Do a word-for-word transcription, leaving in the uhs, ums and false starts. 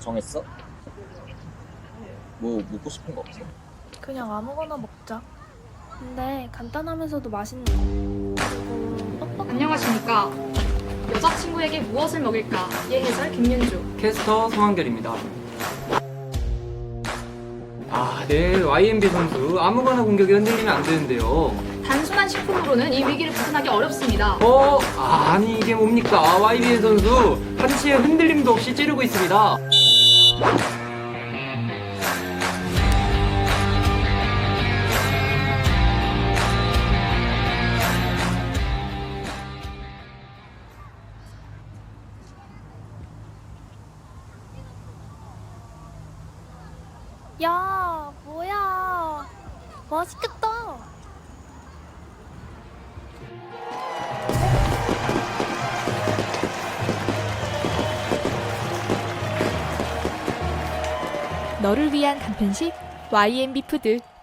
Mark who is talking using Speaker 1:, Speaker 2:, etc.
Speaker 1: 정했어? 뭐 먹고 싶은 거 없어?
Speaker 2: 그냥 아무거나 먹자. 근데 간단하면서도 맛있는 거. 그리고 떡볶이.
Speaker 3: 안녕하십니까. 여자친구에게 무엇을 먹일까? 예해설 김윤주.
Speaker 4: 캐스터 송한결입니다. 아, 네. 와이엠비 선수 아무거나 공격이 흔들리면 안 되는데요.
Speaker 3: 단순한 식품으로는 이 위기를 벗어나기 어렵습니다.
Speaker 4: 어? 아니 이게 뭡니까? 와이비엔 선수 한치의 흔들림도 없이 찌르고 있습니다.
Speaker 2: 야, 뭐야. 맛있겠다.
Speaker 5: 너를 위한 간편식 와이엠비 푸드.